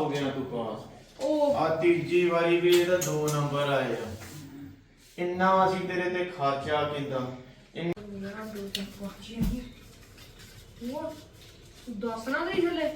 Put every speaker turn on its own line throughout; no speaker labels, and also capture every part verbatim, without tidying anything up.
ਹੋ ਗਿਆ ਤੂੰ ਪਾਸ। ਉਹ ਆ ਤੀਜੀ ਵਾਰੀ ਵੀ ਇਹਦਾ ਦੋ ਨੰਬਰ ਆਏ ਆ। ਇੰਨਾ ਅਸੀਂ ਤੇਰੇ ਤੇ ਖਰਚਾ ਕਿਦਾਂ
ਦੱਸਣਾ ਨਹੀਂ ਹਲੇ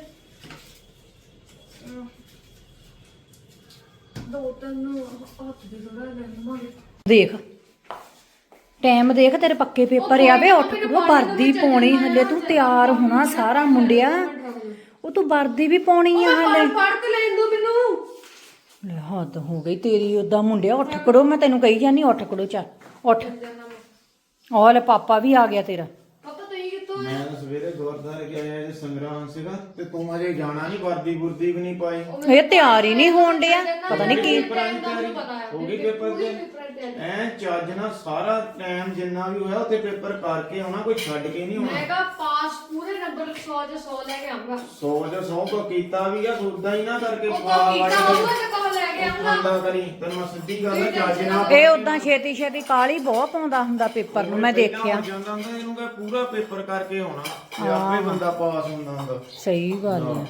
ਦੋ ਤਿੰਨ ਹੱਥ ਦੇ ਥੋੜਾ ਲੈਣਾ
ਦੇਖ ਟਾਈਮ ਦੇਖ ਤੇਰੇ ਪੱਕੇ ਪੇਪਰ ਆ ਵੇ ਉੱਠ ਉਹ ਵਰਦੀ ਪਾਉਣੀ ਹਲੇ ਤੂੰ ਤਿਆਰ ਹੋਣਾ ਸਾਰਾ ਮੁੰਡਿਆ ਉਹ ਤੂੰ ਵਰਦੀ ਵੀ ਪਾਉਣੀ ਆ ਹਲੇ
ਪੜ ਕੇ ਲੈਣ ਦੋ ਮੈਨੂੰ
ਲੈ ਹੱਦ ਹੋ ਗਈ ਤੇਰੀ ਉਦਾਂ ਮੁੰਡਿਆ ਉੱਠ ਖੜੋ ਮੈਂ ਤੈਨੂੰ ਕਹੀ ਜਾਨੀ ਉੱਠ ਖੜੋ ਚੱਲ ਉੱਠ ਉਹ ਲੈ ਪਾਪਾ ਵੀ ਆ ਗਿਆ ਤੇਰਾ
ਪਤਾ ਤੁਸੀਂ ਕਿੱਥੋਂ
ਮੈਂ ਤਾਂ ਸਵੇਰੇ ਗੁਰਦੁਆਰੇ ਗਿਆ ਜੇ ਸੰਗਰਾਮ ਸੀਗਾ ਤੇ ਤੂੰ ਅਜੇ ਜਾਣਾ ਨਹੀਂ ਵਰਦੀ ਬੁਰਦੀ ਵੀ ਨਹੀਂ ਪਾਈ।
ਇਹ ਤਿਆਰ ਹੀ ਨਹੀਂ ਹੋਣ ਡਿਆ ਪਤਾ ਨਹੀਂ ਕੀ
ਹੋ ਗਈ ਪੇਪਰ ਦੇ ਐ ਚੱਜ ਨਾਲ ਸਾਰਾ ਟਾਈਮ ਜਿੰਨਾ ਵੀ ਹੋਇਆ ਉੱਥੇ ਪੇਪਰ ਕਰਕੇ ਆਉਣਾ ਕੋਈ ਛੱਡ ਕੇ ਨਹੀਂ ਆਉਣਾ।
ਮੈਂ ਕਹਾ ਪਾਸ ਪੂਰੇ ਨੰਬਰ ਸੌ ਚ ਸੌ ਲੈ ਕੇ ਆਉਂਗਾ
ਸੌ ਜਾਂ ਸੌ ਕੋ ਕੀਤਾ ਵੀ ਆ ਉਦਾਂ ਹੀ ਨਾ ਕਰਕੇ
ਉਹ
ਪਾ
ਕੀਤਾ ਹੋਊਗਾ ਤੇ ਕਹ ਲੈ ਕੇ ਆਉਂਗਾ
ਬੰਦਾ ਕਰੀ ਤੈਨੂੰ ਮੈਂ ਸਿੱਧੀ ਗੱਲ ਆ ਚੱਜ ਨਾਲ
ਇਹ ਉਦਾਂ ਛੇਤੀ ਛੇਤੀ ਕਾਲੀ ਬਹੁਤ ਪਾਉਂਦਾ ਹੁੰਦਾ ਪੇਪਰ ਨੂੰ ਮੈਂ ਦੇਖਿਆ
ਜਾਂਦਾ ਹੁੰਦਾ ਇਹਨੂੰ ਕਹ ਪੂਰਾ ਪੇਪਰ ਕਰਕੇ ਆਉਣਾ ਤੇ ਆਪੇ ਬੰਦਾ ਪਾਸ ਹੁੰਦਾ ਹੁੰਦਾ।
ਸਹੀ ਗੱਲ ਹੈ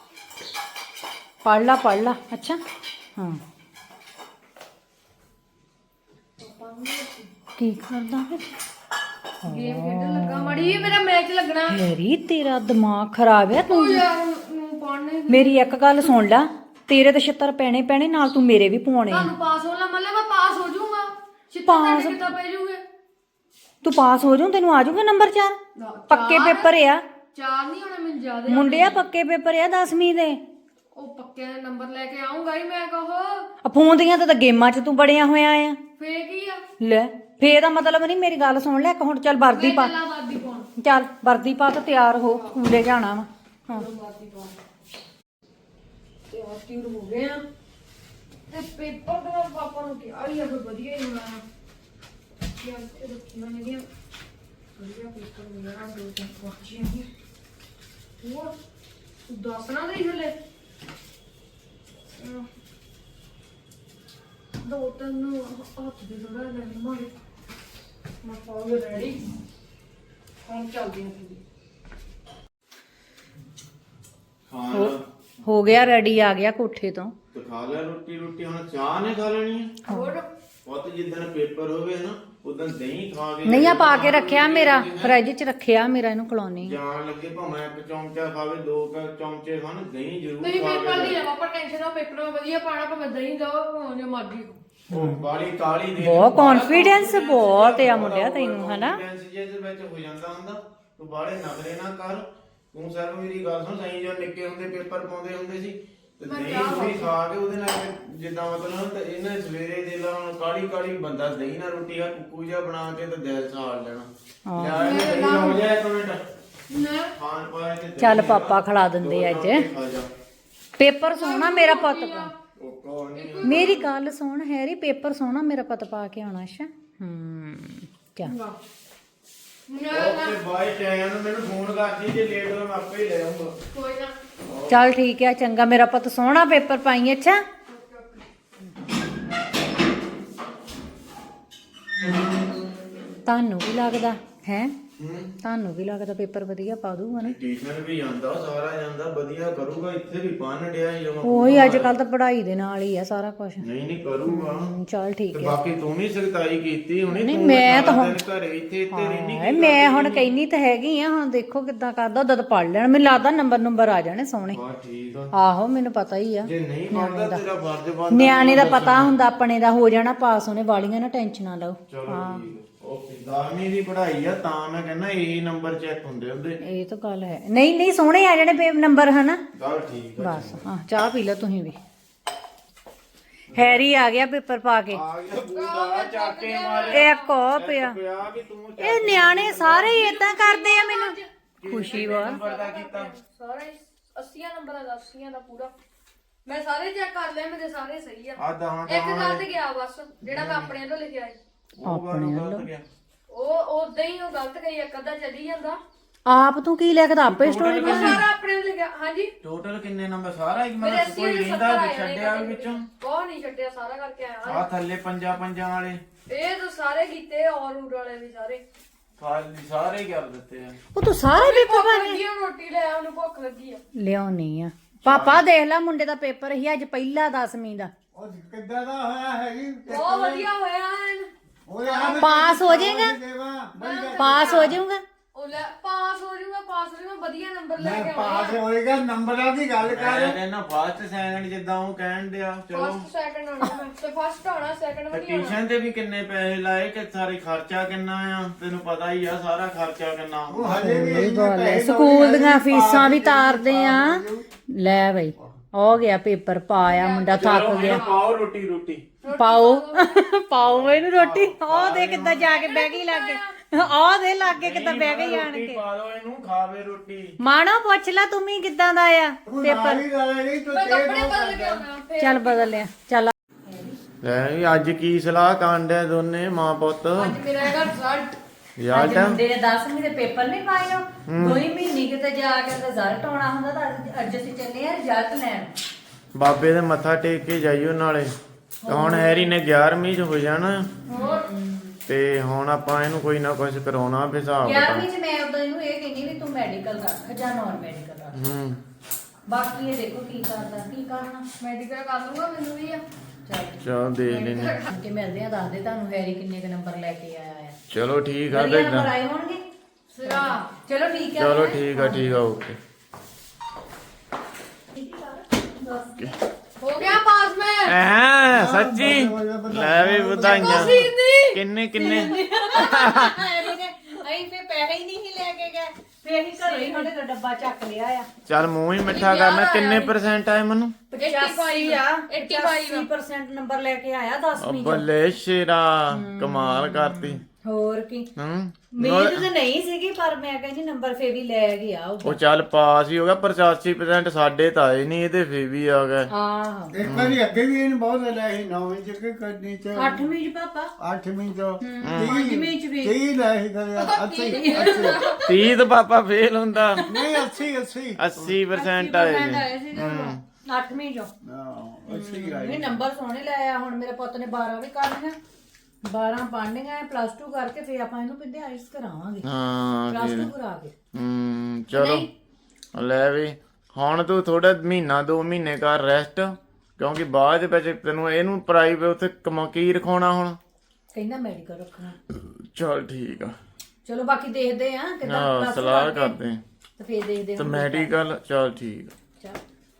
ਪੜ ਲਾ ਪੜ ਲਾ ਅੱਛਾ ਹਾਂ ਕੀ ਕਰਦਾ ਫਿਰ
ਗੇਮ ਖੇਡਣ ਲੱਗਾ ਮੜੀ ਮੇਰਾ ਮੈਚ ਲੱਗਣਾ
ਮੇਰੀ ਤੇਰਾ ਦਿਮਾਗ ਖਰਾਬ ਹੈ ਤੂੰ
ਯਾਰ ਨੂੰ ਪੜਨੇ
ਮੇਰੀ ਇੱਕ ਗੱਲ ਸੁਣ ਲੈ ਤੇਰੇ ਤੇ ਛਿੱਤਰ ਪੈਣੇ ਪੈਣੇ ਨਾਲ ਤੂੰ ਮੇਰੇ ਵੀ ਪਾਉਣੇ ਆ।
ਤੁਹਾਨੂੰ ਪਾਸ ਹੋਣਾ ਮਤਲਬ ਮੈਂ ਪਾਸ ਹੋ ਜਾਊਂਗਾ ਛਿੱਤਰ
ਪਾਸ-
ਤੇ ਕਿੱਦਾਂ ਪੈ ਜੂਗੇ
ਤੂੰ ਪਾਸ ਹੋ ਜਾਊ ਤੈਨੂੰ ਆ ਜਾਊਗਾ ਨੰਬਰ ਚਾਰ ਪੱਕੇ ਪੇਪਰ ਆ
ਚਾਰ ਨਹੀਂ ਹੋਣੇ ਮੈਨੂੰ ਜ਼ਿਆਦਾ
ਮੁੰਡਿਆ ਪੱਕੇ ਪੇਪਰ ਆ ਦਸਵੀਂ ਦੇ
ਉਹ ਪੱਕੇ ਦੇ ਨੰਬਰ ਲੈ ਕੇ ਆਉਂਗਾ ਹੀ ਮੈਂ ਕਹੋ
ਆ ਫੋਨ ਦੀਆਂ ਤਾਂ ਗੇਮਾਂ 'ਚ ਤੂੰ ਬੜਿਆ ਹੋਇਆ ਆ
ਫੇਰ ਕੀ ਆ
ਲੈ ਫੇਰ ਦਾ ਮਤਲਬ ਨਹੀਂ ਮੇਰੀ ਗੱਲ ਸੁਣ ਲੈ ਇੱਕ ਹੁਣ ਚੱਲ ਵਰਦੀ ਪਾ
ਚੱਲਾਂ ਵਾਦੀ ਪਾਉਣ
ਚੱਲ ਵਰਦੀ ਪਾ ਕੇ ਤਿਆਰ ਹੋ ਸਕੂਲੇ ਜਾਣਾ ਵਾ ਹਾਂ
ਵਾਦੀ ਪਾਉਣ ਤੇ ਆ ਤਿਉਰ ਹੋ ਗਏ ਆ ਤੇ ਪੇਪਰ ਦਾ ਪਾਪਾ ਨੂੰ ਕਿਹਾ ਹੀ ਆ ਕੋਈ ਵਧੀਆ ਹੀ ਹੋਣਾ ਕਿ ਆ ਇਹ ਰੱਖੀਆਂ ਨੇ ਦੀਆਂ ਵਧੀਆ ਪੇਪਰ ਮਿਲਣਾ ਦੋ ਤਿੰਨ ਪਹੁੰਚੀਆਂ ਹੀ ਹੋਰ ਦੱਸਣਾ ਨਹੀਂ ਹਲੇ ਦੋ ਤਿੰਨ ਹੱਥ ਦੇ ਥੋੜਾ ਲੈਣਾ ਮਾਰੇ ਮੈਂ ਪਾਉ ਰੈਡੀ ਹੁਣ ਚੱਲਦੀ ਹਾਂ ਫਿਰ
ਖਾਣਾ
ਹੋ ਗਿਆ ਰੈਡੀ ਆ ਗਿਆ ਕੋਠੇ ਤੋਂ
ਤੇ ਖਾ ਲੈ ਰੋਟੀ ਰੋਟੀ ਹੁਣ ਚਾਹ ਨੇ ਖਾ ਲੈਣੀ ਹੈ
ਹੋਰ
ਪੁੱਤ ਜਿੱਦਣ ਪੇਪਰ ਹੋਵੇ ਨਾ ਉਦੋਂ ਦਹੀਂ ਖਾ ਕੇ
ਨਹੀਂ ਆ ਪਾ ਕੇ ਰੱਖਿਆ ਮੇਰਾ ਫਰਿੱਜ 'ਚ ਰੱਖਿਆ ਮੇਰਾ ਇਹਨੂੰ ਖਿਲਾਉਣੀ
ਜਾਣ ਲੱਗੇ ਭਾਵੇਂ ਇੱਕ ਚਮਚਾ ਖਾਵੇ ਦੋ ਕੁ ਚਮਚੇ ਖਾਣ ਦਹੀਂ ਜ਼ਰੂਰ
ਤੁਸੀਂ
ਖਾ
ਪੇਪਰ
ਕੇ
ਦੀ ਨਾ ਪਾਪਾ ਟੈਨਸ਼ਨ ਨਾ ਪੇਪਰ ਮੈਂ ਵਧੀਆ ਪਾਣਾ ਭਾਵੇਂ ਦਹੀਂ ਦੋ ਭਾਵੇਂ ਜੋ ਮਰਜ਼ੀ
ਉਹ ਕਾਲੀ ਕਾਲੀ ਦੇ
ਬਹੁਤ confidence ਬਹੁਤ ਆ ਮੁੰਡਿਆ ਤੈਨੂੰ, ਹਨਾ?
confidence ਜਿਹਦੇ ਵਿੱਚ ਹੋ ਜਾਂਦਾ ਹੁੰਦਾ ਤੂੰ ਬਾਹਲੇ ਨਖਰੇ ਨਾ ਕਰ ਤੂੰ ਸਿਰਫ ਮੇਰੀ ਗੱਲ ਸੁਣ ਸਹੀ ਜੋ ਨਿੱਕੇ ਹੁੰਦੇ ਪੇਪਰ ਪਾਉਂਦੇ ਹੁੰਦੇ ਸੀ ਤੇ ਦਹੀਂ ਵੀ ਖਾ ਕੇ ਉਹਦੇ ਨਾਲ ਜਿੱਦਾਂ ਮਤਲਬ ਤੇ ਇਹਨੇ ਸਵੇਰੇ ਦੇ ਲਾ ਕਾਲੀ ਕਾਲੀ ਬੰਦਾ ਦਹੀਂ ਨਾਲ ਰੋਟੀ ਆ ਕੁੱਕੂ ਜਿਹਾ ਬਣਾ ਕੇ ਤੇ ਦਿਲ ਸਾੜ ਲੈਣਾ ਯਾਰ ਇਹ ਦਹੀਂ ਹੋ ਜਾ ਇੱਕ ਮਿੰਟ
ਨਾ
ਖਾਣ ਪਾਏ ਤੇ
ਚੱਲ ਪਾਪਾ ਖਿਲਾ ਦਿੰਦੇ ਅੱਜ ਪੇਪਰ ਸੋਹਣਾ ਮੇਰਾ ਪੁੱਤ ਪਾ
ਉਹ ਕੋ ਨਹੀਂ
ਮੇਰੀ ਗੱਲ ਸੁਣ ਹੈਰੀ ਪੇਪਰ ਸੋਹਣਾ ਮੇਰਾ ਪੁੱਤ ਪਾ ਕੇ ਆਉਣਾ ਅੱਛਾ ਹੂੰ ਕਿਆ
ਓਕੇ ਬਾਏ ਟਾਈਮ ਮੈਨੂੰ ਫੋਨ ਕਰਦੀ ਜੇ ਲੇਟ ਹੋ ਮੈਂ ਆਪੇ ਹੀ ਲੈ ਆਉਂਗਾ
ਕੋਈ ਨਾ
ਚੱਲ ਠੀਕ ਹੈ ਚੰਗਾ ਮੇਰਾ ਪੁੱਤ ਸੋਹਣਾ ਪੇਪਰ ਪਾਈ ਅੱਛਾ ਤੁਹਾਨੂੰ ਵੀ ਲੱਗਦਾ ਹੈ ਤੁਹਾਨੂੰ ਵੀ ਲੱਗਦਾ ਪੇਪਰ ਵਧੀਆ ਪਾ ਦੂਗਾ ਨਾ
ਟਿਊਸ਼ਨ ਵੀ ਜਾਂਦਾ ਸਾਰਾ ਜਾਂਦਾ ਵਧੀਆ ਕਰੂਗਾ ਇੱਥੇ ਵੀ ਪੜਨ ਡਿਆ ਹੀ ਜਮਾ
ਉਹੀ ਅੱਜ ਕੱਲ ਤਾਂ ਪੜ੍ਹਾਈ ਦੇ ਨਾਲ ਹੀ ਆ ਸਾਰਾ ਕੁਝ
ਨਹੀਂ ਨਹੀਂ ਕਰੂਗਾ
ਚੱਲ ਠੀਕ
ਤੇ
ਹੈ
ਬਾਕੀ ਤੂੰ ਵੀ ਸਖਤਾਈ ਕੀਤੀ ਹੁਣੇ
ਨਹੀਂ,
ਤੂੰ
ਮੈਂ ਤਾਂ
ਸਾਰਾ
ਹੁਣ-
ਦਿਨ ਘਰੇ ਇੱਥੇ ਇੱਥੇ ਰਹਿਣੀ
ਹਾਏ ਮੈਂ ਹੁਣ ਕਹਿਨੀ ਤਾਂ ਹੈਗੀ ਆ ਹੁਣ ਦੇਖੋ ਕਿੱਦਾਂ ਕਰਦਾ ਉਦੋਂ ਤਾਂ ਪੜ ਲੈਣ ਮੈਨੂੰ ਲੱਗਦਾ ਨੰਬਰ ਨੰਬਰ ਆ ਜਾਣੇ ਸੋਹਣੇ
ਹਾਂ ਠੀਕ ਆ
ਆਹੋ ਮੈਨੂੰ ਪਤਾ ਹੀ ਆ
ਜੇ ਨਹੀਂ ਪੜਦਾ ਤੇਰਾ ਫਰਜ਼ ਬਣਦਾ
ਨਿਆਣੇ ਦਾ ਪਤਾ ਹੁੰਦਾ ਆਪਣੇ ਦਾ ਹੋ ਜਾਣਾ ਪਾਸ ਉਹਨੇ ਵਾਲੀਆਂ ਨਾ ਟੈਨਸ਼ਨ ਨਾ ਲਓ
ਚਲੋ ਠੀਕ ਓਕੇ ਦਸਵੀਂ ਦੀ ਪੜ੍ਹਾਈ ਆ ਤਾਂ ਮੈਂ ਕਹਿੰਦਾ ਇਹੀ ਨੰਬਰ ਚੈੱਕ ਹੁੰਦੇ ਹੁੰਦੇ
ਇਹ ਤਾਂ ਗੱਲ ਹੈ ਨਹੀਂ ਨਹੀਂ ਸੋਹਣੇ ਆ ਜਾਣੇ ਪੇ ਨੰਬਰ ਹਨਾ
ਚੱਲ ਠੀਕ ਆ
ਬਸ ਹਾਂ ਚਾਹ ਪੀ ਲਓ ਤੁਸੀਂ ਵੀ ਹੈਰੀ ਆ ਗਿਆ ਪੇਪਰ ਪਾ ਕੇ
ਆ ਗਿਆ ਬੂਟਾ ਚਾਕੇ ਮਾਰੇ
ਇੱਕ ਹੋ ਪਿਆ
ਪਿਆ ਵੀ ਤੂੰ
ਇਹ ਨਿਆਣੇ ਸਾਰੇ ਹੀ ਇਦਾਂ ਕਰਦੇ ਆ ਮੈਨੂੰ ਖੁਸ਼ੀ ਵਾ
ਨੰਬਰ ਦਾ ਕੀਤਾ
ਸਾਰੇ ਅੱਸੀ ਨੰਬਰਾਂ ਦਾ ਅੱਸੀ ਦਾ ਪੂਰਾ ਮੈਂ ਸਾਰੇ ਚੈੱਕ ਕਰ ਲਏ ਮੇਰੇ ਸਾਰੇ ਸਹੀ ਆ
ਆ ਦਹਾਂ
ਇੱਕ ਗੱਲ ਤੇ ਗਿਆ ਬਸ ਜਿਹੜਾ ਮੈਂ ਆਪਣੇ ਤੋਂ ਲਿਖਿਆ ਸੀ
ਆਪਣੇ ਵੱਲੋਂ
ਉਹ ਉਦਾਂ ਹੀ ਉਹ ਗਲਤ ਕਰੀ ਇੱਕ ਅੱਧਾ ਚੱਲੀ ਜਾਂਦਾ
ਆਪ ਤੂੰ ਕੀ ਲਿਖਦਾ ਆਪੇ ਸਟੋਰੀ
ਉਹ ਸਾਰਾ ਆਪਣੇ ਨੂੰ ਲਿਖਿਆ ਹਾਂਜੀ
ਟੋਟਲ ਕਿੰਨੇ ਨੰਬਰ ਸਾਰਾ ਇੱਕ
ਮੇਰੇ
ਮਤਲਬ
ਅੱਸੀ
ਕੋਈ
ਦੇ
ਰਹਿੰਦਾ
ਸੱਤਰ ਆਏ
ਛੱਡਿਆ ਵੀ ਵਿੱਚੋਂ
ਬਹੁਤ ਨਹੀਂ ਛੱਡਿਆ ਸਾਰਾ ਕਰਕੇ ਆਇਆ
ਆ ਥੱਲੇ ਪੰਜਾਂ ਪੰਜਾਂ ਵਾਲੇ
ਇਹ ਤਾਂ ਸਾਰੇ ਕੀਤੇ ਔਰ ਰੂਟ ਵਾਲੇ ਵੀ ਸਾਰੇ
ਖਾਲੀ ਸਾਰੇ ਹੀ ਕਰ ਦਿੱਤੇ ਆ
ਉਹ ਤੂੰ ਸਾਰੇ ਪੇਪਰ
ਭੁੱਖ ਲੱਗੀ ਆ, ਰੋਟੀ ਲੈ ਆ ਉਹਨੂੰ ਭੁੱਖ ਲੱਗੀ ਆ
ਲਿਆਉਣੀ ਆ ਪਾਪਾ ਦੇਖ ਲੈ ਮੁੰਡੇ ਦਾ ਪੇਪਰ ਸੀ ਅੱਜ ਪਹਿਲਾ ਦਸਵੀਂ ਦਾ।
ਉਹ ਕਿੱਦਾਂ ਦਾ ਹੋਇਆ ਹੈਗੀ
ਬਹੁਤ ਵਧੀਆ ਹੋਇਆ ਐਨ।
ਓਏ ਆ
ਪਾਸ ਹੋ ਜਾਏਗਾ? ਪਾਸ ਹੋ ਜਾਊਗਾ?
ਉਹ ਲੈ ਪਾਸ ਹੋ ਜਾਊਗਾ ਪਾਸ ਹੋ ਜਾਊਗਾ ਵਧੀਆ ਨੰਬਰ ਲੈ
ਮੈਂ
ਕੇ
ਪਾਸ ਹੋਏਗਾ ਨੰਬਰਾਂ ਦੀ ਗੱਲ
ਮੈਂ
ਕਰ
ਕਹਿੰਦਾ ਫਸਟ ਸੈਕਿੰਡ ਜਿੱਦਾਂ ਉਹ ਕਹਿਣ ਡਿਆ ਚਲੋ
ਫਸਟ ਸੈਕਿੰਡ ਆਉਣਾ ਮੈਂ ਤੇ ਫਸਟ ਆਉਣਾ ਸੈਕਿੰਡ ਵੀ ਨਹੀਂ ਆਉਣਾ।
ਟਿਊਸ਼ਨ ਤੇ ਵੀ ਕਿੰਨੇ ਪੈਸੇ ਲਾਏ ਕਿ ਸਾਰੇ ਖਰਚਾ ਕਿੰਨਾ ਆ ਤੈਨੂੰ ਪਤਾ ਹੀ ਆ ਸਾਰਾ ਖਰਚਾ ਕਿੰਨਾ
ਉਹ ਹਜੇ ਵੀ
ਸਹੀ ਗੱਲ ਹੈ, ਸਕੂਲ ਦੀਆਂ ਫੀਸਾਂ ਵੀ ਤਾਰਦੇ ਆ। ਲੈ ਬਈ ਹੋ ਗਿਆ ਪੇਪਰ ਪਾਇਆ ਮੁੰਡਾ ਥੱਕ ਗਿਆ।
ਪਾਓ ਰੋਟੀ ਰੋਟੀ
ਪਾਓ ਪਾਓ ਇਹਨੂੰ ਰੋਟੀ। ਉਹ ਦੇ ਕਿੱਦਾਂ ਜਾ ਕੇ ਬਹਿ ਗਈ ਲੱਗੇ। ਉਹ ਦੇ ਲਾਗੇ ਕਿੱਦਾਂ ਬਹਿ ਗਈ ਆਣ
ਰੋਟੀ
ਕੇ।
ਪਾ ਦੋ ਇਹਨੂੰ ਖਾਵੇ ਰੋਟੀ।
ਮਾਣੋ ਪੁੱਛ ਲੈ ਤੂੰ ਵੀ ਕਿੱਦਾਂ ਦਾ ਆ ਪੇਪਰ।
ਮੈਂ ਕੱਪੜੇ ਬਦਲ ਕੇ ਆਉਣਾ ਫੇਰ
ਚੱਲ ਬਦਲ ਲਿਆ ਚੱਲ।
ਲੈ ਵੀ ਅੱਜ ਕੀ ਸਲਾਹ ਕਾਂਡਿਆ ਦੋਨੇ ਮਾਂ ਪੁੱਤ
ਅੱਜ ਮੇਰਾ ਹੈਗਾ ਰਿਜ਼ਲਟ।
ਯਾਰ
ਅੱਜ ਮੁੰਡੇ ਨੇ ਦਸਵੀਂ ਦੇ ਪੇਪਰ ਨਹੀਂ ਪਾਏ ਹੋ ਦੋ ਹੀ ਮਹੀਨੇ ਕਿਤੇ ਜਾ ਕੇ ਰਿਜ਼ਲਟ ਆਉਣਾ ਹੁੰਦਾ ਤਾਂ ਅੱਜ- ਅੱਜ ਅਸੀਂ ਚੱਲੇ ਆ ਰਿਜ਼ਲਟ ਲੈਣ।
ਬਾਬੇ ਦੇ ਮੱਥਾ ਟੇਕ ਕੇ ਜਾਈਓ ਨਾਲੇ। ਤਾਂ ਹੁਣ ਹੈਰੀ ਨੇ ਗਿਆਰਵੀਂ ਚ ਹੋ ਜਾਣਾ
ਹੋਰ
ਤੇ ਹੁਣ ਆਪਾਂ ਇਹਨੂੰ ਕੋਈ ਨਾ ਕੁਝ ਕਰਾਉਣਾ ਵੀ ਹਿਸਾਬ
ਗਿਆਰਵੀਂ ਚ ਮੈਂ ਉਦੋਂ ਇਹਨੂੰ ਇਹ ਕਹਿੰਦੀ ਵੀ ਤੂੰ ਮੈਡੀਕਲ ਕਰ ਜਾਂ ਨਾਨ ਮੈਡੀਕਲ ਕਰ।
ਹੂੰ
ਬਾਕੀ ਇਹ ਦੇਖੋ ਕੀ ਕਰਦਾ ਕੀ ਕਰਨਾ।
ਮੈਡੀਕਲ ਕਰ ਲੂੰਗਾ ਮੈਨੂੰ ਵੀ ਆ।
ਚੱਲ
ਚਲ ਦੇਖ ਲੈਨੇ
ਕਿ ਮਿਲਦੇ ਆ ਦੱਸ ਦੇ ਤੁਹਾਨੂੰ ਹੈਰੀ ਕਿੰਨੇ ਕ ਨੰਬਰ ਲੈ ਕੇ ਆਇਆ ਆ।
ਚਲੋ ਠੀਕ ਆ
ਵਧੀਆ
ਤੇ
ਨੰਬਰ ਆਏ ਹੋਣਗੇ।
ਸਿਰਾ
ਚਲੋ ਠੀਕ ਆ।
ਚਲੋ ਠੀਕ ਆ ਠੀਕ ਆ ਓਕੇ
ਹੋ ਗਿਆ ਪਾਸ ਮੈਂ।
ਐ ਸੱਚੀ ਲੈ ਵੀ ਵਧਾਈਆਂ
ਸੀਨੀ
ਕਿੰਨੇ ਕਿੰਨੇ
ਹੈਰੀ ਨੇ ਅਸੀਂ ਫੇ ਪੈਸੇ ਹੀ ਨਹੀਂ ਸੀ ਲੈ ਕੇ ਗਏ ਫੇ ਅਸੀਂ ਘਰੋਂ ਹੀ ਤੁਹਾਡੇ ਦਾ ਡੱਬਾ ਚੱਕ ਲਿਆ ਆ।
ਚੱਲ ਮੂੰਹ ਹੀ ਮਿੱਠਾ ਕਰਨਾ ਕਿੰਨੇ ਪਰਸੈਂਟ ਆਏ ਮੈਨੂੰ
ਪਚਾਸੀ ਆ
ਪਚਾਸੀ
ਪਰਸੈਂਟ ਨੰਬਰ ਲੈ ਕੇ ਆਇਆ ਦਸਵੀਂ ਚ।
ਬੱਲੇ ਸ਼ੇਰਾ ਕਮਾਲ ਕਰਤੀ
ਹੋਰ ਕੀ
ਹੂੰ
ਉਮੀਦ ਤਾਂ ਨਹੀਂ ਸੀਗੀ ਪਰ ਮੈਂ ਕਹਿੰਦੀ ਨੰਬਰ ਫੇ ਵੀ ਲੈ ਗਿਆ ਉਹ।
ਉਹ ਚੱਲ ਪਾਸ ਹੀ ਹੋ ਗਿਆ ਪਚਾਸੀ ਪਰਸੈਂਟ ਸਾਡੇ ਤਾਂ ਆਏ ਨਹੀਂ ਇਹਦੇ ਫੇ ਵੀ ਆ ਗਏ
ਆਹ
ਇੱਕ ਵਾਰੀ ਅੱਗੇ ਵੀ ਇਹਨੇ ਬਹੁਤ ਲੈ ਸੀ ਨੌਵੀਂ ਚ ਕਿ ਕਰਨੀ ਚ
ਅੱਠਵੀਂ ਚ ਪਾਪਾ
ਅੱਠਵੀਂ ਚ
ਪੰਜਵੀਂ ਚ ਵੀ
ਤੀਹ ਲੈ ਸੀ ਕਰਿਆ ਅੱਸੀ ਅੱਸੀ
ਤੀਹ ਤਾਂ ਪਾਪਾ ਫੇਲ ਹੁੰਦਾ
ਨਹੀਂ ਅੱਸੀ ਅੱਸੀ
ਅੱਸੀ ਪਰਸੈਂਟ ਆਏ ਨੇ
ਆਏ ਸੀ ਅੱਠਵੀਂ ਚੋਂ।
ਹਾਂ ਅੱਸੀ ਆਈ
ਇਹ ਨੰਬਰ ਸੋਹਣੇ ਲਾਇਆ। ਹੁਣ ਮੇਰੇ ਪੁੱਤ ਨੇ ਬਾਰਾਂ ਵੀ ਕਰ ਲਈਆਂ ਬਾਰਾਂ ਪੜ੍ਹਨੀਆਂ ਪਲੱਸ ਟੂ ਕਰਕੇ ਫੇਰ ਆਪਾਂ ਇਹਨੂੰ ਪਿੰਡੇ ਆਈਸ ਕਰਾਵਾਂਗੇ
ਹਾਂ
ਪਲੱਸ ਟੂ ਕਰਾ ਕੇ।
ਹੂੰ ਚਲੋ ਲੈ ਵੀ ਹੁਣ ਤੂੰ ਥੋੜਾ ਮਹੀਨਾ ਦੋ ਮਹੀਨੇ ਕਰ ਰੈਸਟ ਕਿਉਂਕਿ ਬਾਅਦ ਵਿੱਚ ਤੈਨੂੰ ਇਹਨੂੰ ਪ੍ਰਾਈਵੇਟ ਉੱਥੇ ਕਮਾ ਕੀ ਰਖਾਉਣਾ ਹੁਣ।
ਕਹਿੰਦਾ ਮੈਡੀਕਲ ਰੱਖਣਾ।
ਚਲ ਠੀਕ ਆ
ਚਲੋ ਬਾਕੀ ਦੇਖਦੇ ਆ ਕਿਦਾਂ
ਹਾਂ
ਪਲੱਸ
ਸਲਾਹ ਕਰਦੇ ਆਂ।
ਤੇ ਫੇਰ ਦੇਖਦੇ
ਤੇ
ਹਾਂ
ਮੈਡੀਕਲ ਚਲ ਠੀਕ ਆ
ਚੱਲ।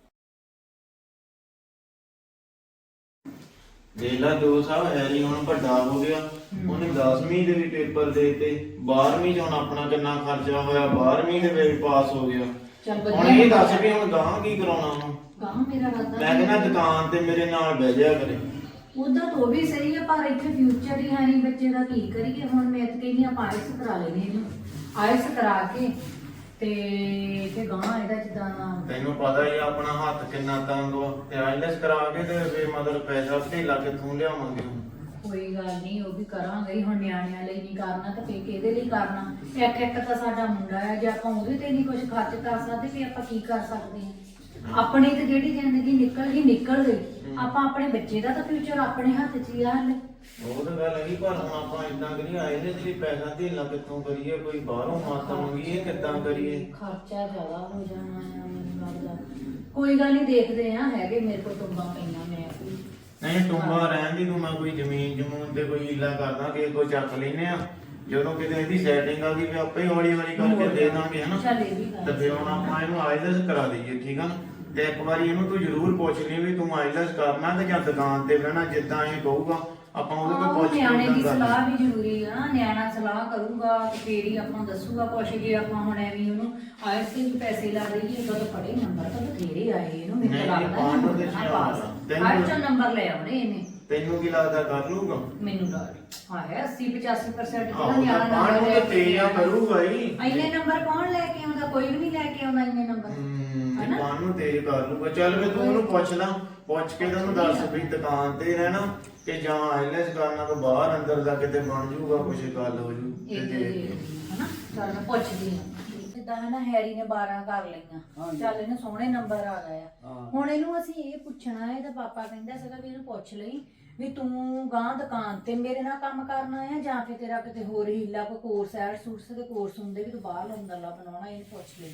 ਦੇਲਾ ਦੋ ਸਾਲ ਹੈਰੀ ਹੁਣ ਵੱਡਾ ਹੋ ਗਿਆ ਉਹਨੇ ਦਸਵੀਂ ਦੇ ਵੀ ਪੇਪਰ ਦੇਤੇ ਬਾਰਵੀਂ ਚ ਹੁਣ ਆਪਣਾ ਕਿੰਨਾ ਖਰਚਾ ਹੋਇਆ ਬਾਰਵੀਂ ਦੇ ਵੀ ਪਾਸ ਹੋ ਗਿਆ।
ਚੱਲ
ਹੁਣ
ਵਧੀਆ
ਇਹ ਦੱਸ ਵੀ ਹੁਣ ਗਾਂ ਕੀ ਕਰਾਉਣਾ ਹੁਣ।
ਗਾਂ ਮੇਰਾ ਰਾਦਾ
ਮੈਂ ਕਹਿੰਦਾ ਦੁਕਾਨ ਤੇ ਮੇਰੇ ਨਾਲ ਬਹਿ ਜਾ ਕਰੇ।
ਉਦਾਂ ਤਾਂ ਉਹ ਵੀ ਸਹੀ ਹੈ ਪਰ ਇੱਥੇ ਫਿਊਚਰ ਹੀ ਹੈ ਨਹੀਂ ਬੱਚੇ ਦਾ ਕੀ ਕਰੀਏ। ਹੁਣ ਮੈਂ ਤਾਂ ਕਹਿੰਦੀ ਆਪਾਂ ਆਇਲਸ ਕਰਾ ਲੈਨੇ ਇਹਨੂੰ ਆਇਲਸ ਕਰਾ ਕੇ ਤੇ ਤੇ ਗਾਂ ਇਹਦਾ ਜਿੱਦਾਂ
ਤੈਨੂੰ ਪਤਾ ਹੀ ਆ ਆਪਣਾ ਹੱਥ ਕਿੰਨਾ ਤੰਗ ਵਾ ਤੇ ਆਈਲੈਸ ਕਰਾ ਕੇ ਤੇ ਫੇਰ ਮਤਲਬ ਪੈਸਾ ਢੇਲਾ ਕਿੱਥੋਂ ਲਿਆਵਾਂਗੇ ਹੁਣ।
ਕੋਈ ਗੱਲ ਨਹੀਂ ਉਹ ਵੀ ਕਰਾਂਗੇ ਹੀ। ਹੁਣ ਨਿਆਣਿਆਂ ਲਈ ਨਹੀਂ ਕਰਨਾ ਤਾਂ ਫੇਰ ਕਿਹਦੇ ਲਈ ਕਰਨਾ। ਇੱਕ ਇੱਕ ਤਾਂ ਸਾਡਾ ਮੁੰਡਾ ਹੈ ਜੇ ਆਪਾਂ ਉਹਦੇ ਤੇ ਨਹੀਂ ਕੁਝ ਖਰਚ ਕਰ ਸਕਦੇ ਵੀ ਆਪਾਂ ਕੀ ਕਰ ਸਕਦੇ ਹਾਂ। ਆਪਣੀ ਤੇ ਜਿਹੜੀ ਜ਼ਿੰਦਗੀ ਨਿਕਲ ਗਈ ਨਿਕਲ ਗਈ। ਆਪਾਂ ਆਪਣੇ ਬੱਚੇ ਦਾ ਤਾਂ ਫਿਊਚਰ ਆਪਣੇ ਹੱਥ 'ਚ ਹੀ ਆ ਹਲੇ।
ਉਹ ਤਾਂ ਗੱਲ ਹੈਗੀ ਪਰ ਹੁਣ ਆਪਾਂ ਇਦਾਂ ਕਰੀਏ ਆਈਲੈਸ ਲਈ ਪੈਸਾ ਢੇਲਾ ਕਿੱਥੋਂ ਕਰੀਏ ਕੋਈ ਬਾਹਰੋਂ ਮਾਤਾ ਮੰਗੀਏ ਕਿੱਦਾਂ ਕਰੀਏ।
ਖਰਚਾ ਜ਼ਿਆਦਾ ਹੋ ਜਾਣਾ ਆ ਮੈਨੂੰ ਲੱਗਦਾ। ਕੋਈ ਗੱਲ ਨਹੀਂ ਦੇਖਦੇ ਆ ਹੈਗੇ ਮੇਰੇ ਕੋਲ ਟੁੰਬਾਂ ਪਈਆਂ ਮੈਂ ਕੋਈ
ਨਹੀਂ ਟੁੰਬਾ ਰਹਿਣ ਦੀ ਤੂੰ ਮੈਂ ਕੋਈ ਜ਼ਮੀਨ ਜਮੂਨ ਤੇ ਕੋਈ ਹੀਲਾ ਕਰਦਾ ਕਿ ਕੋਈ ਚੱਕ ਲੈਨੇ ਆ ਜਦੋਂ ਕਿਤੇ ਇਹਦੀ ਸੈਟਿੰਗ ਆ ਗਈ ਵੀ ਆਪੇ ਹੀ ਹੌਲੀ ਹੌਲੀ ਕਰਕੇ ਦੇ ਦਾਂਗੇ ਹਨਾ।
ਚੱਲ ਇਹ ਵੀ ਗੱਲ
ਤੇ ਫਿਰ ਹੁਣ ਆਪਾਂ ਇਹਨੂੰ ਆਈਲੈਸ ਕਰਾ ਦਈਏ ਠੀਕ ਆ ਨਾ। ਤੇ ਇੱਕ ਵਾਰੀ ਇਹਨੂੰ ਤੂੰ ਜ਼ਰੂਰ ਪੁੱਛ ਲਈ ਵੀ ਤੂੰ ਆਈਲੈਸ ਕਰਨਾ ਤੇ ਜਾਂ ਦੁਕਾਨ ਤੇ ਬਹਿਣਾ ਜਿੱਦਾਂ ਇਹ ਕਹੂਗਾ ਆਪਾਂ ਉਹਦੇ
ਹਾਂ,
ਕੋਲ ਪੁੱਛ ਕੇ
ਨਿਆਣੇ ਦੀ
ਉਦਾਂ ਕਰ
ਸਲਾਹ ਵੀ ਜ਼ਰੂਰੀ ਆ ਨਾ। ਨਿਆਣਾ ਸਲਾਹ ਕਰੂਗਾ ਤੇ ਫੇਰ ਹੀ ਆਪਾਂ ਦੱਸੂਗਾ ਕੁਛ। ਜੇ ਆਪਾਂ ਹੁਣ ਐਵੇਂ ਉਹਨੂੰ ਆਇਲਸ ਦੇ ਵੀ ਪੈਸੇ ਲਾ ਦੇਈਏ ਉਦੋਂ ਤਾਂ ਪੜੇ ਨੰਬਰ ਤਾਂ ਬਥੇਰੇ ਆਏ ਇਹਨੂੰ ਮੈਨੂੰ
ਨਹੀਂ,
ਤਾਂ
ਨਹੀਂ,
ਲੱਗਦਾ
ਪਾਸ ਨੂੰ ਤੇ
ਨਹੀਂ ਪਾਸ
ਤੈਨੂੰ-
ਆਇਲਸ ਚੋਂ ਨੰਬਰ ਲੈ ਆਉਣੇ ਇਹਨੇ।
ਤੈਨੂੰ ਕੀ ਲੱਗਦਾ ਕਰ ਲੂਗਾ?
ਮੈਨੂੰ ਤਾਂ ਹਾਂ ਹੈ ਅੱਸੀ ਪਚਾਸੀ ਪਰਸੈਂਟ
ਆਹੋ
ਜਿਹੜਾ ਨਿਆਣਾ
ਪਾਣ ਨੂੰ
ਨੰਬਰ
ਤਾਂ
ਲੈ ਕੇ
ਤੇਜ਼ਾ ਕਰੂਗਾ ਹੀ।
ਇੰਨੇ ਨੰਬਰ ਕੌਣ ਲੈ ਕੇ ਆਉਂਦਾ? ਕੋਈ ਵੀ ਨਹੀਂ ਲੈ ਕੇ ਆਉਂਦਾ ਇੰਨੇ ਨੰਬਰ।
ਹੂੰ ਪਾਣ ਨੂੰ ਤੇਜ਼ ਕਰ ਲੂਗਾ। ਚੱਲ ਵੀ ਤੂੰ ਉਹਨੂੰ ਪੁੱਛ ਲਾ ਪੁੱਛ ਕੇ ਤੈਨੂੰ ਦੱਸ ਵੀ ਦੁਕਾਨ ਤੇ ਰਹਿਣਾ ਕਿ ਜਾਂ ਆਈਲੈਸ ਕਰਨਾ ਤੋਂ ਬਾਹਰ ਅੰਦਰ ਦਾ ਕਿਤੇ ਬਣ ਜਾਊਗਾ ਕੁਛ ਗੱਲ ਹੋ ਜੂ
ਇਹ ਤੇ ਹਨਾ ਚੱਲ ਮੈਂ ਪੁੱਛਦੀ ਹਾਂ। ਜਿੱਦਾਂ ਹੈ ਨਾ ਹੈਰੀ ਨੇ ਬਾਰਾਂ ਕਰ ਲਈਆਂ ਚੱਲ ਇਹਨੂੰ ਸੋਹਣੇ ਨੰਬਰ ਆ ਗਏ ਆ। ਹੁਣ ਇਹਨੂੰ ਅਸੀਂ ਇਹ ਪੁੱਛਣਾ ਹੈ ਇਹਦਾ ਪਾਪਾ ਕਹਿੰਦਾ ਸੀਗਾ ਵੀ ਇਹਨੂੰ ਪੁੱਛ ਲਈ ਵੀ ਤੂੰ ਗਾਂ ਦੁਕਾਨ ਤੇ ਮੇਰੇ ਨਾਲ ਕੰਮ ਕਰਨਾ ਹੈ ਜਾਂ ਫਿਰ ਤੇਰਾ ਕਿਤੇ ਹੋਰ ਹੀਲਾ ਕੋਈ ਕੋਰਸ ਐਡ ਸੂਟਸ ਦੇ ਕੋਰਸ ਹੁੰਦੇ ਵੀ ਤੂੰ ਬਾਹਰ ਅੰਦਰਲਾ ਬਣਾਉਣਾ। ਇਹਨੂੰ ਪੁੱਛ ਲਈਏ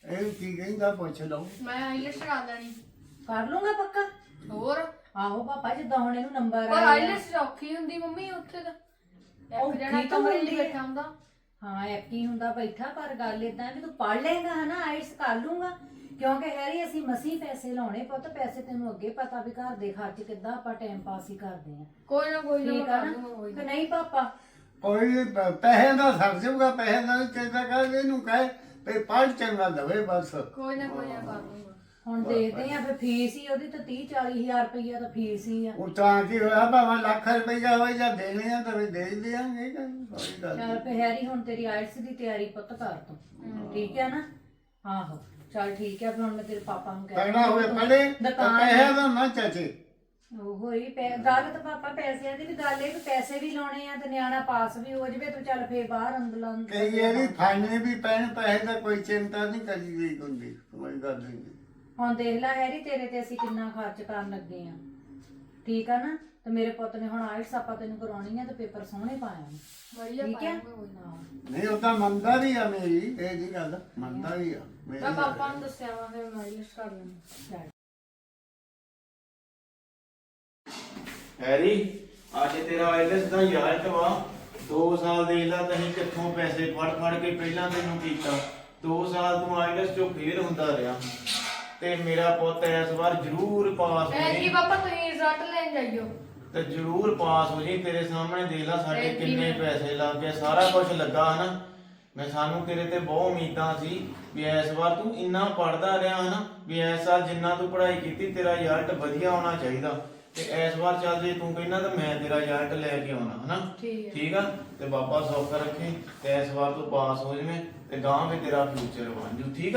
ਇਹ ਕੀ ਕਹਿੰਦਾ ਪੁੱਛ ਲਓ।
ਮੈਂ ਆਈਲੈਟਸ ਕਰਾ ਲੈਣੀ।
ਕਰ ਲੂੰਗਾ ਪੱਕਾ।
ਹੋਰ
ਆਹੋ ਪਾਪਾ ਜਿੱਦਾਂ ਹੁਣ ਇਹਨੂੰ ਨੰਬਰ
ਪਰ
ਆਇਆ
ਆਈਲੈਟਸ ਔਖੀ ਹੁੰਦੀ ਮੰਮੀ ਉੱਥੇ ਤਾਂ ਇੱਕ
ਔਖੀ
ਜਣਾ
ਤਾਂ
ਕਮਰੇ
ਹੁੰਦੀ
'ਚ
ਹੈ।
ਬੈਠਾ ਹੁੰਦਾ।
ਹਾਂ ਐਕੀ ਹੁੰਦਾ ਬੈਠਾ, ਪਰ ਗੱਲ ਇਦਾਂ ਵੀ ਤੂੰ ਪੜ ਲੇਗਾ ਹਨਾ, ਆਇਟਸ ਕਰ ਲੂੰਗਾ। ਕਿਉਂਕਿ ਹੈਰੀ ਅਸੀਂ ਮਸੀਂ ਪੈਸੇ ਲਾਉਣੇ ਪੁੱਤ, ਪੈਸੇ ਤੈਨੂੰ ਅੱਗੇ ਪਤਾ ਵੀ ਘਰ ਦੇ ਖਰਚ ਕਿੱਦਾਂ ਆਪਾਂ ਟਾਈਮ ਪਾਸ ਹੀ ਕਰਦੇ ਆ।
ਕੋਈ ਨਾ ਕੋਈ ਨਾ ਮੈਂ
ਠੀਕ ਆ
ਕਰ
ਨਾ
ਦੂੰਗਾ ਕੋਈ
ਕਿ
ਨਾ।
ਨਹੀਂ ਪਾਪਾ?
ਕੋਈ ਪ- ਪੈਸੇ ਦਾ ਸਰ ਜਾਊਗਾ, ਪੈਸੇ ਦਾ ਕਿਹਦਾ ਕਰ ਇਹਨੂੰ ਕਹੇ ਵੀ ਪੜ ਚੰਗਾ ਦਵੇ ਬਸ।
ਕੋਈ ਨਾ ਕੋਈ ਨਾ ਕਰ ਦੂੰਗਾ।
ਹੁਣ ਦੇਖਦੇ ਆ ਫਿਰ ਫੀਸ ਹੀ ਉਹਦੀ ਤਾਂ ਤੀਹ ਚਾਲੀ ਹਜ਼ਾਰ ਰੁਪਈਆ ਤਾਂ ਫੀਸ ਹੀ ਆ।
ਉਹ ਤਾਂ ਕੀ ਹੋਇਆ ਭਾਵੇਂ ਲੱਖ ਰੁਪਈਆ ਹੋਵੇ ਜਾਂ ਦੇਣੇ ਆ ਤਾਂ ਵੀ ਦੇ ਹੀ ਦਿਆਂਗੇ, ਕੋਈ ਗੱਲ
ਚੱਲ ਫੇ ਹੈਰੀ ਹੁਣ ਤੇਰੀ ਆਇਟਸ ਦੀ ਤਿਆਰੀ ਪੁੱਤ ਕਰ ਤੂੰ, ਠੀਕ ਹੈ ਨਾ? ਆਹੋ ਚੱਲ ਠੀਕ ਹੈ। ਫਿਰ ਹੁਣ ਮੈਂ ਤੇਰੇ ਪਾਪਾ ਨੂੰ ਕਹਿ
ਤਗੜਾ ਹੋਵੇ ਪੜੇ
ਦੁਕਾਨ
ਪੈਸੇ ਦਾ ਨਾ ਚਾਚੇ।
ਉਹ ਹੀ ਪੈ ਗੱਲ ਤਾਂ ਪਾਪਾ ਪੈਸਿਆਂ ਦੀ ਵੀ ਗੱਲ ਇਹ ਵੀ ਪੈਸੇ ਵੀ ਲਾਉਣੇ ਆ ਤੇ ਨਿਆਣਾ ਪਾਸ ਵੀ ਹੋ ਜਵੇ ਤੂੰ ਚੱਲ ਫੇਰ ਬਾਹਰ ਅੰਦਰ ਅੰਦਰ
ਕਈ ਵਾਰੀ ਖਾਣੇ ਵੀ ਪੈਣ, ਪੈਸੇ ਦਾ ਕੋਈ ਚਿੰਤਾ ਨਹੀਂ ਕਰੀ ਗਈ ਹੁੰਦੀ, ਕੋਈ ਗੱਲ ਨਹੀਂ।
ਹੁਣ ਦੇਖ ਲੈ ਹੈਰੀ ਤੇਰੇ ਤੇ ਅਸੀਂ ਕਿੰਨਾ ਖਰਚ ਕਰਨ ਲੱਗੇ ਆ, ਠੀਕ ਆ ਨਾ? ਤੇ ਮੇਰੇ ਪੁੱਤ ਨੇ ਹੁਣ ਆਇਲਟਸ ਆਪਾਂ ਤੈਨੂੰ ਕਰਾਉਣੀ ਆ ਤੇ ਪੇਪਰ ਸੋਹਣੇ ਪਾਇਆ
ਵਧੀਆ
ਠੀਕ ਹੈ?
ਪਾਉਂਗਾ ਕੋਈ ਨਾ।
ਨਹੀਂ ਉਹ ਤਾਂ ਮੰਨਦਾ ਵੀ ਆ ਮੇਰੀ, ਇਹ ਜੀ ਗੱਲ ਮੰਨਦਾ ਵੀ ਆ ਮੇਰੀ
ਮੈਂ
ਗੱਲ।
ਪਾਪਾ ਨੂੰ ਦੱਸਿਆ ਵਾ ਫਿਰ ਮੈਂ ਆਈਲੈਟਸ ਕਰ ਲੈਣੀ।
ਚੱਲ
ਹੈਰੀ ਅੱਜ ਤੇਰਾ ਆਇਲਸ ਦਾ ਰਿਜ਼ਲਟ ਵਾ। ਦੋ ਸਾਲ ਦੇ ਲਾ ਤਹੀਂ ਕਿੱਥੋਂ ਪੈਸੇ ਫੜ ਫੜ ਕੇ ਪਹਿਲਾਂ ਤੈਨੂੰ ਕੀਤਾ। ਦੋ ਸਾਲ ਤੂੰ ਆਇਲਸ ਚੋਂ ਫੇਲ ਹੁੰਦਾ ਰਿਹਾ ਤੇ ਮੇਰਾ ਪੁੱਤ ਇਸ ਵਾਰ ਜ਼ਰੂਰ ਪਾਸ ਹੋ
ਐ
ਜੀ
ਜੀ ਪਾਪਾ ਤੁਸੀਂ ਰਿਜ਼ਲਟ ਲੈਣ ਜਾਈਓ।
ਤੇ ਜ਼ਰੂਰ ਪਾਸ ਹੋ ਜੀ। ਤੇਰੇ ਸਾਹਮਣੇ ਦੇਖ ਲਾ ਸਾਡੇ
ਐਤਕੀ
ਕਿੰਨੇ
ਮੈਂ-
ਪੈਸੇ ਲੱਗ ਗਏ, ਸਾਰਾ ਕੁਝ ਲੱਗਾ ਹਨਾ। ਮੈਂ ਸਾਨੂੰ ਤੇਰੇ ਤੇ ਬਹੁਤ ਉਮੀਦਾਂ ਸੀ ਵੀ ਇਸ ਵਾਰ ਤੂੰ ਇੰਨਾ ਪੜਦਾ ਰਿਹਾ ਹਨਾ, ਵੀ ਇਸ ਸਾਲ ਜਿੰਨਾ ਤੂੰ ਪੜ੍ਹਾਈ ਕੀਤੀ ਤੇਰਾ ਰਿਜ਼ਲਟ ਵਧੀਆ ਹੋਣਾ ਚਾਹੀਦਾ। ਤੇ ਇਸ ਵਾਰ ਚੱਲ ਜੇ ਤੂੰ ਕਹਿੰਦਾ ਤਾਂ ਮੈਂ ਤੇਰਾ ਰਿਜ਼ਲਟ ਲੈ ਕੇ ਆਉਣਾ ਹਨਾ।
ਠੀਕ ਹੈ।
ਠੀਕ ਆ ਤੇ ਬਾਬਾ ਸੌਖ ਰੱਖੇ ਤੇ ਇਸ ਵਾਰ ਤੂੰ ਪਾਸ ਹੋ ਜਵੇਂ ਤੇ ਗਾਂ ਵੀ ਤੇਰਾ ਫਿਊਚਰ ਬਣ ਜੂ। ਠੀਕ ਆ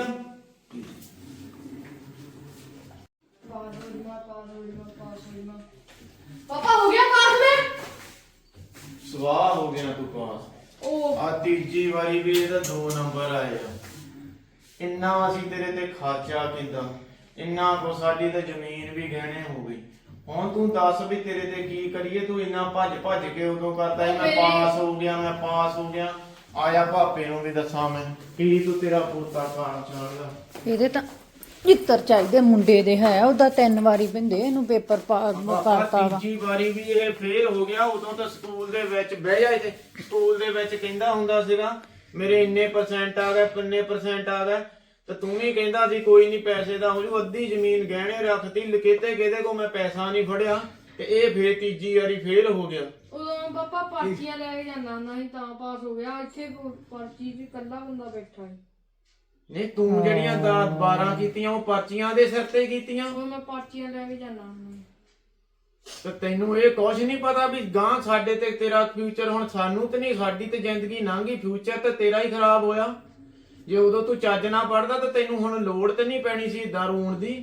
ਪਾਸ ਹੋ ਜੀ ਮੈਂ ਪਾਸ ਹੋ ਜੀ ਮੈਂ ਪਾਸ ਹੋ ਜੀ ਮੈਂ। ਪਾਪਾ ਹੋ ਗਿਆ ਪਾਸ ਮੈਂ।
ਸਵਾਹ ਹੋ ਗਿਆ ਤੂੰ ਪਾਸ।
ਉਹ
ਆ ਤੀਜੀ ਵਾਰੀ ਵੀ ਇਹਦਾ ਦੋ ਨੰਬਰ ਆਏ ਆ। ਇੰਨਾ ਅਸੀਂ ਤੇਰੇ ਤੇ ਖਰਚਾ ਕੀਤਾ, ਇੰਨਾ ਕੋ ਸਾਡੀ ਤਾਂ ਜ਼ਮੀਨ ਵੀ ਗਹਿਣੇ ਹੋ ਗਈ। ਹੁਣ ਤੂੰ ਦੱਸ ਵੀ ਤੇਰੇ ਤੇ ਕੀ ਕਰੀਏ। ਤੂੰ ਇੰਨਾ ਭੱਜ ਭੱਜ ਕੇ ਉਦੋਂ ਕਰਦਾ ਸੀ ਮੈਂ ਪਾਸ ਹੋ ਗਿਆ ਮੈਂ ਪਾਸ ਹੋ ਗਿਆ। ਆਇਆ ਭਾਪੇ ਨੂੰ ਵੀ ਦੱਸਾਂ ਮੈਂ ਕੀ ਤੂੰ ਤੇਰਾ ਪੋਤਾ ਕਾਰ ਚੱਲਦਾ।
ਇਹਦੇ ਤਾਂ ਜਿੱਤਰ ਚਾਹੀਦੇ ਮੁੰਡੇ ਦੇ ਹੈ, ਉਹਦਾ ਤਿੰਨ ਵਾਰੀ ਪਿੰਦੇ ਇਹਨੂੰ ਪੇਪਰ ਕਰਤਾ ਵਾ।
ਤੀਜੀ ਵਾਰੀ ਵੀ ਇਹ ਫੇਲ ਹੋ ਗਿਆ। ਉਦੋਂ ਤਾਂ ਸਕੂਲ ਦੇ ਵਿੱਚ ਬਹਿ ਜਾਏ ਤੇ ਸਕੂਲ ਦੇ ਵਿੱਚ ਕਹਿੰਦਾ ਹੁੰਦਾ ਸੀਗਾ ਮੇਰੇ ਇੰਨੇ ਪਰਸੈਂਟ ਆ ਗਏ ਕਿੰਨੇ ਪਰਸੈਂਟ ਆ ਗਏ ਤੇ ਤੂੰ ਵੀ ਕਹਿੰਦਾ ਸੀ ਕੋਈ ਨਹੀਂ ਪੈਸੇ ਦਾ ਹੋ ਜੂ। ਅੱਧੀ ਜ਼ਮੀਨ ਗਹਿਣੇ ਰੱਖਤੀ ਲਕੇਤੇ ਕਿਹਦੇ ਕੋ ਮੈਂ ਪੈਸਾ ਨਹੀਂ ਫੜਿਆ ਤੇ ਇਹ ਫੇਰ ਤੀਜੀ ਵਾਰੀ ਫੇਲ ਹੋ ਗਿਆ।
ਉਦੋਂ ਪਾਪਾ ਪਰਚੀਆਂ ਲੈ ਕੇ ਜਾਂਦਾ ਹੁੰਦਾ ਸੀ ਤਾਂ ਪਾਸ ਹੋ ਗਿਆ। ਇੱਥੇ ਪਰਚੀ 'ਚ ਇਕੱਲਾ ਬੰਦਾ ਬੈਠਾ ਸੀ।
ਨਹੀਂ ਤੂੰ ਜਿਹੜੀਆਂ ਦਸ ਬਾਰਾਂ ਕੀਤੀਆਂ ਉਹ ਪਰਚੀਆਂ ਦੇ ਸਿਰ ਤੇ ਕੀਤੀਆਂ।
ਹੁਣ ਮੈਂ ਪਰਚੀਆਂ ਲੈ ਕੇ ਜਾਂਦਾ ਹੁੰਦਾ।
ਤੇ ਤੈਨੂੰ ਇਹ ਕੁਝ ਨਹੀਂ ਪਤਾ ਵੀ ਗਾਂ ਸਾਡੇ ਤੇ ਤੇਰਾ ਫਿਊਚਰ ਹੁਣ ਸਾਨੂੰ ਤੇ ਨਹੀਂ, ਸਾਡੀ ਤੇ ਜ਼ਿੰਦਗੀ ਲੰਘੀ, ਫਿਊਚਰ ਤੇ ਤੇਰਾ ਹੀ ਖਰਾਬ ਹੋਇਆ। ਜੇ ਉਦੋਂ ਤੂੰ ਚੱਜ ਨਾ ਪੜਦਾ ਤਾਂ ਤੈਨੂੰ ਹੁਣ ਲੋੜ ਤੇ ਨਹੀਂ ਪੈਣੀ ਸੀ ਏਦਾਂ ਰੋਣ ਦੀ।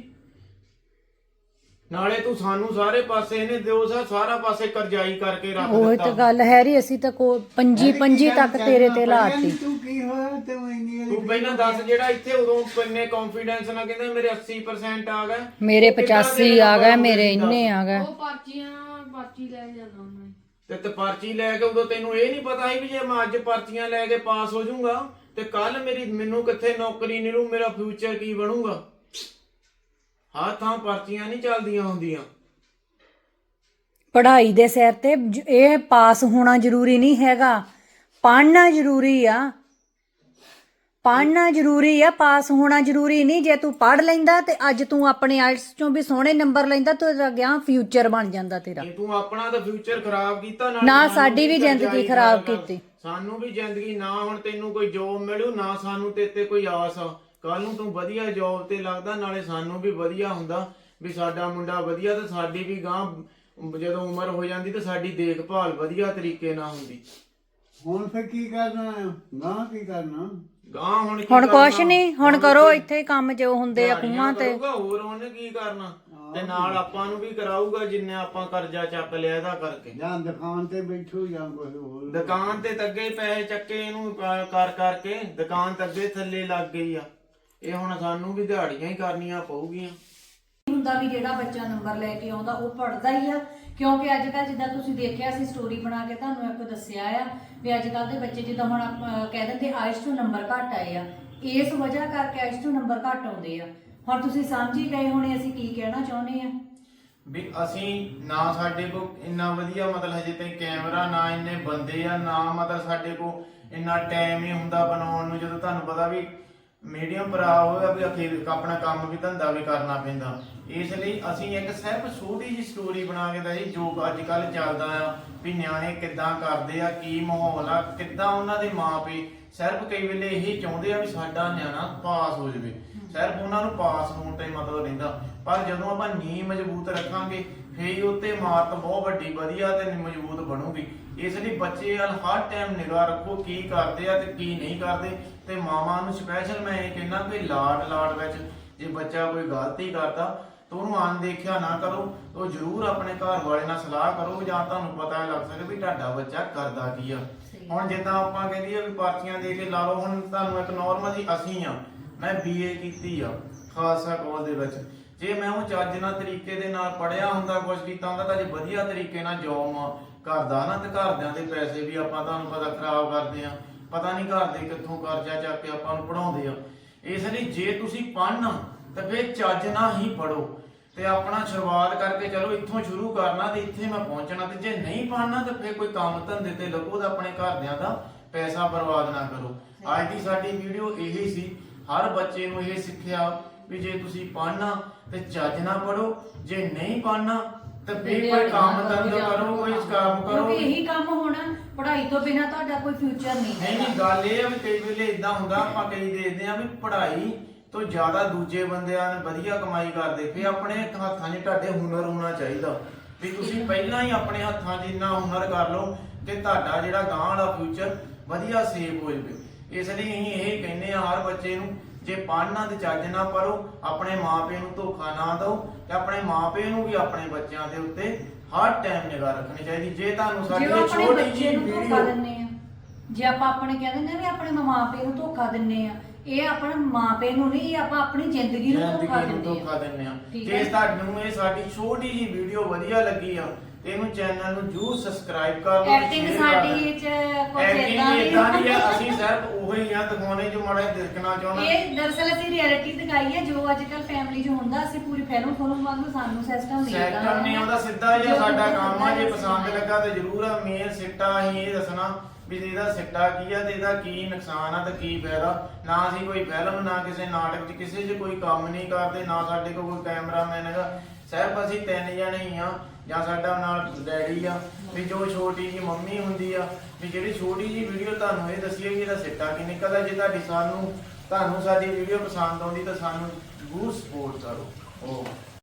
ਨਾਲੇ ਤੂੰ ਸਾਨੂੰ ਸਾਰੇ ਪਾਸੇ ਇਹਨੇ ਦਿਓ ਸਾ ਸਾਰਾ ਪਾਸੇ ਕਰਜ਼ਾਈ ਕਰਕੇ ਰੱਖ
ਉਹ
ਦਿੱਤਾ।
ਤਾਂ ਗੱਲ ਹੈਰੀ ਅਸੀਂ ਤਾਂ ਕੋ ਪੰਜੀ ਪੰਜੀ ਤੱਕ ਤੇਰੇ ਤੇ ਲਾਤੀ।
ਤੂੰ ਕੀ ਹੋਇਆ ਤੇ ਇੰਨੀ
ਤੂੰ ਪਹਿਲਾਂ ਦੱਸ ਜਿਹੜਾ ਇੱਥੇ ਉਦੋਂ ਕਿੰਨੇ ਕੌਨਫੀਡੈਂਸ ਨਾਲ ਕਹਿੰਦੇ ਮੇਰੇ ਅੱਸੀ ਪਰਸੈਂਟ ਆ ਗਏ
ਮੇਰੇ
ਉਹ ਕਿੱਦਾਂ
ਪਚਾਸੀ
ਤੇਰੇ
ਆ ਗਏ,
number
ਮੇਰੇ
ਹੁੰਦੇ ਸੀ
ਇੰਨੇ ਆ ਗਏ।
ਉਹ ਪਰਚੀਆਂ ਪਰਚੀ ਲੈ ਕੇ ਜਾਂਦਾ ਹੁੰਦਾ ਸੀ।
ਤੇ ਤੇ ਪਰਚੀ ਲੈ ਕੇ ਉਦੋਂ ਤੈਨੂੰ ਇਹ ਨਹੀਂ ਪਤਾ ਸੀ ਵੀ ਜੇ ਮੈਂ ਅੱਜ ਪਰਚੀਆਂ ਲੈ ਕੇ ਪਾਸ ਹੋ ਜਾਊਂਗਾ ਤੇ ਕੱਲ ਮੇਰੀ ਮੈਨੂੰ ਕਿੱਥੇ ਨੌਕਰੀ ਮਿਲੂ, ਮੇਰਾ ਫਿਊਚਰ ਕੀ ਬਣੂਗਾ। ਹਾਂ ਥਾਂ ਪਰਚੀਆਂ ਨਹੀਂ ਚੱਲਦੀਆਂ ਹੁੰਦੀਆਂ।
ਪੜ੍ਹਾਈ ਦੇ ਸਿਰ ਤੇ ਜ- ਇਹ ਪਾਸ ਹੋਣਾ ਜ਼ਰੂਰੀ ਨਹੀਂ ਹੈਗਾ, ਪੜ੍ਹਨਾ ਜ਼ਰੂਰੀ ਆ। ਪੜ੍ਹਨਾ ਜ਼ਰੂਰੀ ਆ, ਪਾਸ ਹੋਣਾ ਜ਼ਰੂਰੀ ਨਹੀਂ। ਜੇ ਤੂੰ ਪੜ੍ਹ ਲੈਂਦਾ ਤੇ ਅੱਜ ਤੂੰ ਆਪਣੇ ਆਇਲਟਸ ਚੋਂ ਵੀ ਸੋਹਣੇ ਨੰਬਰ ਲੈਂਦਾ ਤੇ ਤੇਰਾ ਗਿਆ ਫਿਊਚਰ ਬਣ ਜਾਂਦਾ ਤੇਰਾ।
ਜੇ ਤੂੰ ਆਪਣਾ ਤਾਂ ਫਿਊਚਰ ਖਰਾਬ ਕੀਤਾ ਨਾਲੇ
ਨਾ
ਸਾਨੂੰ
ਸਾਡੀ ਵੀ
ਕਰਜ਼ਾਈ
ਜ਼ਿੰਦਗੀ ਖਰਾਬ
ਕਰਨਾ।
ਕੀਤੀ।
ਸਾਨੂੰ ਵੀ ਜ਼ਿੰਦਗੀ ਨਾ ਹੁਣ ਤੈਨੂੰ ਕੋਈ ਜੋਬ ਮਿਲੂ ਨਾ ਸਾਨੂੰ ਤੇ ਤੇ ਕੋਈ ਆਸ ਆ। ਕੱਲ ਨੂੰ ਤੂੰ ਵਧੀਆ ਜੋਬ ਤੇ ਲੱਗਦਾ ਨਾਲੇ ਸਾਨੂੰ ਵੀ ਵਧੀਆ ਹੁੰਦਾ ਵੀ ਸਾਡਾ ਮੁੰਡਾ ਵਧੀਆ ਤੇ ਸਾਡੀ ਵੀ ਗਾਂ ਜਦੋਂ ਉਮਰ ਹੋ ਜਾਂਦੀ ਤੇ ਸਾਡੀ ਦੇਖਭਾਲ ਵਧੀਆ ਤਰੀਕੇ ਨਾਲ ਹੁੰਦੀ।
ਹੁਣ ਫੇ ਕੀ ਕਰਨਾ ਨਾ ਕੀ ਕਰਨਾ
ਗਾਂ ਹੁਣ ਕੀ
ਹੁਣ ਕੁਛ
ਕਰਨਾ?
ਨਹੀਂ, ਹੁਣ ਕਰੋ ਇੱਥੇ ਹੀ ਕੰਮ ਜੋ ਹੁੰਦੇ ਆ
ਦਿਹਾੜੀਆਂ
ਖੂਹਾਂ ਤੇ।
ਕਰੂਗਾ, ਹੋਰ ਉਹਨੇ ਕੀ ਕਰਨਾ ਤੇ ਨਾਲ ਆਪਾਂ ਨੂੰ ਵੀ ਕਰਾਊਗਾ ਜਿੰਨੇ ਆਪਾਂ ਕਰਜ਼ਾ ਚੱਕ ਲਿਆ ਇਹਦਾ ਕਰਕੇ।
ਜਾਂ ਦੁਕਾਨ ਤੇ ਬੈਠੋ ਜਾਂ ਕੁਝ ਹੋਰ।
ਦੁਕਾਨ ਤੇ ਤੱਗੇ ਪੈਸੇ ਚੱਕੇ ਇਹਨੂੰ ਕ- ਕਰ ਕਰਕੇ ਦੁਕਾਨ ਤੱਗੇ ਥੱਲੇ ਲੱਗ ਗਈ ਆ। ਇਹ ਹੁਣ ਸਾਨੂੰ ਵੀ ਦਿਹਾੜੀਆਂ ਹੀ ਕਰਨੀਆਂ ਪਊਗੀਆਂ।
ਹੁੰਦਾ ਵੀ ਜਿਹੜਾ ਬੱਚਾ ਨੰਬਰ ਲੈ ਕੇ ਆਉਂਦਾ ਉਹ ਪੜਦਾ ਹੀ ਆ। ਕਿਉਂਕਿ ਅੱਜ ਕੱਲ੍ਹ ਜਿੱਦਾਂ ਤੁਸੀਂ ਦੇਖਿਆ ਸੀ ਸਟੋਰੀ ਬਣਾ ਕੇ ਤੁਹਾਨੂੰ ਇੱਕ ਦੱਸਿਆ ਆ ਵੀ ਅੱਜ ਕੱਲ੍ਹ ਦੇ ਬੱਚੇ ਜਿੱਦਾਂ ਹੁਣ ਆਪਾਂ ਕਹਿ ਦਿੰਦੇ ਆਇਲਟਸ ਤੋਂ ਨੰਬਰ ਘੱਟ ਆਏ ਆ, ਇਸ ਵਜ੍ਹਾ ਕਰਕੇ ਐਸ ਟੂ ਨੰਬਰ ਘੱਟ ਆਉਂਦੇ ਆ। ਹੁਣ ਤੁਸੀਂ ਸਮਝ ਹੀ ਗਏ ਹੋਣੇ ਅਸੀਂ ਕੀ ਕਹਿਣਾ ਚਾਹੁੰਦੇ ਆ
ਵੀ ਅਸੀਂ ਨਾ ਸਾਡੇ ਕੋਲ ਇੰਨਾ ਵਧੀਆ ਮਤਲਬ ਹਜੇ ਤਾਈਂ ਕੈਮਰਾ, ਨਾ ਇੰਨੇ ਬੰਦੇ ਆ, ਨਾ ਮਤਲਬ ਸਾਡੇ ਕੋਲ ਇੰਨਾ ਟਾਈਮ ਹੀ ਹੁੰਦਾ ਬਣਾਉਣ ਨੂੰ। ਜਦੋਂ ਤੁਹਾਨੂੰ ਪਤਾ ਵੀ ਮੀਡੀਅਮ ਭਰਾ ਹੋਇਆ ਵੀ ਅਖੀਰ ਆਪਣਾ ਕੰਮ ਵੀ ਧੰਦਾ ਵੀ ਕਰਨਾ ਪੈਂਦਾ, ਇਸ ਲਈ ਅਸੀਂ ਇੱਕ ਸਿਰਫ ਛੋਟੀ ਜਿਹੀ ਸਟੋਰੀ ਬਣਾ ਕੇ ਦਾ ਜੀ ਜੋ ਅੱਜ ਕੱਲ ਚੱਲਦਾ ਆ ਵੀ ਨਿਆਣੇ ਕਿੱਦਾਂ ਕਰਦੇ ਆ, ਕੀ ਮਾਹੌਲ ਆ, ਕਿੱਦਾਂ ਉਹਨਾਂ ਦੇ ਮਾਪੇ ਸਿਰਫ ਕਈ ਵੇਲੇ ਇਹੀ ਚਾਹੁੰਦੇ ਆ ਵੀ ਸਾਡਾ ਨਿਆਣਾ ਪਾਸ ਹੋ ਜਾਵੇ, ਸਿਰਫ ਉਹਨਾਂ ਨੂੰ ਪਾਸ ਹੋਣ ਤੇ ਮਤਲਬ ਰਹਿੰਦਾ। ਪਰ ਜਦੋਂ ਆਪਾਂ ਨੀਂਹ ਮਜ਼ਬੂਤ ਰੱਖਾਂਗੇ ਫੇਰ ਉੱਤੇ ਇਮਾਰਤ ਬਹੁਤ ਵੱਡੀ ਵਧੀਆ ਤੇ ਮਜ਼ਬੂਤ ਬਣੂਗੀ। ਇਸ ਲਈ ਬੱਚੇ ਵੱਲ ਹਰ ਟਾਈਮ ਨਿਗਾਹ ਰੱਖੋ ਕੀ ਕਰਦੇ ਆ ਤੇ ਕੀ ਨਹੀਂ ਕਰਦੇ। ਤੇ ਮਾਵਾਂ ਨੂੰ ਸਪੈਸ਼ਲ ਮੈਂ ਇਹ ਕਹਿਣਾ ਕਿ ਲਾਡ ਲਾਡ ਵਿੱਚ ਜੇ ਬੱਚਾ ਕੋਈ ਗਲਤੀ ਕਰਦਾ ਤਾਂ ਉਹਨੂੰ ਅਣਦੇਖਿਆ ਨਾ ਕਰੋ, ਉਹ ਜ਼ਰੂਰ ਆਪਣੇ ਘਰ ਵਾਲੇ ਨਾਲ ਸਲਾਹ ਕਰੋ ਜਾਂ ਤੁਹਾਨੂੰ ਪਤਾ ਲੱਗ ਸਕੇ ਵੀ ਤੁਹਾਡਾ ਬੱਚਾ ਕਰਦਾ ਕੀ ਆ। ਹੁਣ ਜਿੱਦਾਂ ਆਪਾਂ ਕਹਿੰਦੀ ਆ ਵੀ ਪਰਚੀਆਂ ਦੇ ਕੇ ਲਾ ਲਓ, ਹੁਣ ਤੁਹਾਨੂੰ ਇੱਕ ਨਾਰਮਲ ਜੀ ਅਸੀਂ ਆ, ਮੈਂ ਬੀਏ ਕੀਤੀ ਆ ਖਾਲਸਾ ਕਾਲਜ ਦੇ ਵਿੱਚ, ਜੇ ਮੈਂ ਉਹ ਚੱਜ ਨਾਲ ਤਰੀਕੇ ਦੇ ਨਾਲ ਪੜਿਆ ਹੁੰਦਾ, ਕੁਝ ਕੀਤਾ ਹੁੰਦਾ ਤਾਂ ਜੇ ਵਧੀਆ ਤਰੀਕੇ ਨਾਲ ਜੋਬ ਕਰਦਾ ਨਾ ਤੇ ਘਰਦਿਆਂ ਦੇ ਪੈਸੇ ਵੀ ਆਪਾਂ ਤੁਹਾਨੂੰ ਪਤਾ ਖਰਾਬ ਕਰਦੇ ਆ, ਪਤਾ ਨਹੀਂ ਘਰ ਦੇ ਕਿੱਥੋਂ ਕਰਜ਼ਾ ਚੱਕ ਕੇ ਆਪਾਂ ਨੂੰ ਪੜਾਉਂਦੇ ਆ। ਇਸ ਲਈ ਜੇ ਤੁਸੀਂ ਪੜ੍ਹਨਾ ਤਾਂ ਫਿਰ ਚੱਜ ਨਾਲ ਹੀ ਪੜੋ ਤੇ ਆਪਣਾ ਸ਼ੁਰੂਆਤ ਕਰਕੇ ਚਲੋ ਇੱਥੋਂ ਸ਼ੁਰੂ ਕਰਨਾ ਤੇ ਇੱਥੇ ਮੈਂ ਪਹੁੰਚਣਾ। ਤੇ ਜੇ ਨਹੀਂ ਪੜ੍ਹਨਾ ਤਾਂ ਫਿਰ ਕੋਈ ਕੰਮ ਧੰਦੇ ਤੇ ਲੱਗੋ ਤਾਂ ਆਪਣੇ ਘਰਦਿਆਂ ਦਾ ਪੈਸਾ ਬਰਬਾਦ ਨਾ ਕਰੋ। ਅੱਜ ਦੀ ਸਾਡੀ ਵੀਡੀਓ ਇਹੀ ਸੀ, ਹਰ ਬੱਚੇ ਨੂੰ ਇਹ ਸਿੱਖਿਆ ਵੀ ਜੇ ਤੁਸੀਂ ਪੜ੍ਹਨਾ ਤੇ ਚੱਜ ਨਾਲ ਪੜੋ, ਜੇ ਨਹੀਂ ਪੜ੍ਹਨਾ ਤੇ ਫਿਰ ਕੋਈ ਕੰਮ ਧੰਦਾ ਕਰੋ, ਕੋਈ ਕੰਮ ਕਰੋ,
ਕਿਉਂਕਿ ਇਹੀ ਕੰਮ ਹੋਣਾ, ਪੜ੍ਹਾਈ ਤੋਂ ਬਿਨਾ ਤੁਹਾਡਾ ਕੋਈ ਫਿਊਚਰ ਨਹੀਂ
ਨਹੀਂ ਨਹੀਂ ਗੱਲ ਇਹ ਆ ਵੀ ਕਈ ਵੇਲੇ ਇਦਾਂ ਹੁੰਦਾ, ਆਪਾਂ ਕਈ ਦੇਖਦੇ ਆ ਵੀ ਪੜ੍ਹਾਈ ਤੋਂ ਜ਼ਿਆਦਾ ਦੂਜੇ ਬੰਦਿਆਂ ਨੇ ਵਧੀਆ ਕਮਾਈ ਕਰਦੇ, ਫਿਰ ਆਪਣੇ ਹੱਥਾਂ 'ਚ ਤੁਹਾਡੇ ਹੁਨਰ ਹੋਣਾ ਚਾਹੀਦਾ ਵੀ ਤੁਸੀਂ ਪਹਿਲਾਂ ਹੀ ਆਪਣੇ ਹੱਥਾਂ 'ਚ ਇੰਨਾ ਹੁਨਰ ਕਰ ਲਓ ਕਿ ਤੁਹਾਡਾ ਜਿਹੜਾ ਗਾਂ ਵਾਲਾ ਫਿਊਚਰ ਵਧੀਆ ਸੇਵ ਹੋ ਜਾਵੇ। ਇਸ ਲਈ ਅਸੀਂ ਇਹ ਕਹਿੰਦੇ ਆ ਹਰ ਬੱਚੇ ਨੂੰ, ਜੇ ਪੜ੍ਹਨਾ ਤੇ ਚੱਜ ਨਾ ਪੜੋ, ਆਪਣੇ ਮਾਪੇ ਨੂੰ ਧੋਖਾ ਨਾ ਦਿਓ ਤੇ ਆਪਣੇ ਮਾਪੇ ਨੂੰ ਵੀ ਆਪਣੇ ਬੱਚਿਆਂ ਦੇ ਉੱਤੇ ਹਰ ਟਾਈਮ ਨਿਗਾਹ ਰੱਖਣੀ ਚਾਹੀਦੀ। ਜੇ ਤੁਹਾਨੂੰ ਸਾਡੀ ਛੋਟੀ ਜਿਹੀ ਵੀਡੀਓ
ਦਿੰਨੇ ਆ, ਜੇ ਆਪਾਂ ਆਪਣੇ ਕਹਿੰਦੇ ਨੇ ਵੀ ਆਪਣੇ ਮਾਪੇ ਨੂੰ ਧੋਖਾ ਦਿੰਨੇ ਆ, ਇਹ ਆਪਣੇ ਮਾਪੇ ਨੂੰ ਨਹੀਂ, ਇਹ ਆਪਾਂ ਆਪਣੀ ਜ਼ਿੰਦਗੀ ਨੂੰ ਧੋਖਾ
ਦਿੰਦੇ ਆ। ਜੇ ਤੁਹਾਨੂੰ ਇਹ ਸਾਡੀ ਛੋਟੀ ਜਿਹੀ ਵੀਡੀਓ ਵਧੀਆ ਲੱਗੀ ਆ ਤੇ ਇਹਨੂੰ ਚੈਨਲ ਨੂੰ ਜਰੂਰ ਸਬਸਕ੍ਰਾਈਬ ਕਰ ਲਓ।
ਐਕਟਿੰਗ ਸਾਡੀ ਚ ਕੁਝ ਇਦਾਂ
ਦੀ ਆ, ਅਸੀਂ ਸਿਰਫ ਉਹੀ ਆ ਦਿਖਾਉਣੇ ਜੋ ਮਾੜਾ ਦਿਖਣਾ ਚਾਹੁੰਦਾ।
ਇਹ ਦਰਅਸਲ ਅਸੀਂ ਰਿਐਲਿਟੀ ਦਿਖਾਈ ਹੈ ਜੋ ਅੱਜ ਕੱਲ ਫੈਮਿਲੀ 'ਚ ਹੁੰਦਾ। ਅਸੀਂ ਪੂਰੀ ਫਿਲਮ ਫਿਲਮ ਵਾਂਗੂ ਸਾਨੂੰ ਸਿਸਟਮ ਨਹੀਂ ਆਉਂਦਾ,
ਸੈਕਟਰ ਨਹੀਂ ਆਉਂਦਾ, ਸਿੱਧਾ ਜਿਹਾ ਸਾਡਾ ਕੰਮ ਆ। ਜੇ ਪਸੰਦ ਲੱਗਾ ਤੇ ਜਰੂਰ ਆ ਮੇਨ ਸਿੱਟਾ ਅਸੀਂ ਇਹ ਦੱਸਣਾ ਵੀ ਇਹਦਾ ਸਿੱਟਾ ਕੀ ਆ ਤੇ ਇਹਦਾ ਕੀ ਨੁਕਸਾਨ ਆ ਤੇ ਕੀ ਫਾਇਦਾ। ਨਾ ਅਸੀਂ ਕੋਈ ਫਿਲਮ, ਨਾ ਕਿਸੇ ਨਾਟਕ 'ਚ ਕਿਸੇ 'ਚ ਕੋਈ ਕੰਮ ਨਹੀਂ ਕਰਦੇ, ਨਾ ਸਾਡੇ ਕੋਲ ਕੋਈ ਕੈਮਰਾਮੈਨ ਹੈਗਾ, ਸਿਰਫ ਅਸੀਂ ਤਿੰਨ ਜਣੇ ਹੀ ਆ ਜਾਂ ਸਾਡਾ ਨਾਲ ਡੈਡੀ ਆ ਵੀ ਜੋ ਛੋਟੀ ਜੀ ਮੰਮੀ ਹੁੰਦੀ ਆ ਵੀ ਜਿਹੜੀ ਛੋਟੀ ਜੀ ਵੀਡੀਓ ਤੁਹਾਨੂੰ ਇਹ ਦੱਸੀ ਹੈ ਕਿ ਇਹਦਾ ਸਿੱਟਾ ਕੀ ਨਿਕਲਦਾ। ਜੇ ਤੁਹਾਡੀ ਸਾਨੂੰ ਤੁਹਾਨੂੰ ਸਾਡੀ ਵੀਡੀਓ ਪਸੰਦ ਆਉਂਦੀ ਤਾਂ ਸਾਨੂੰ ਜ਼ਰੂਰ ਸਪੋਰਟ ਕਰੋ। ਓ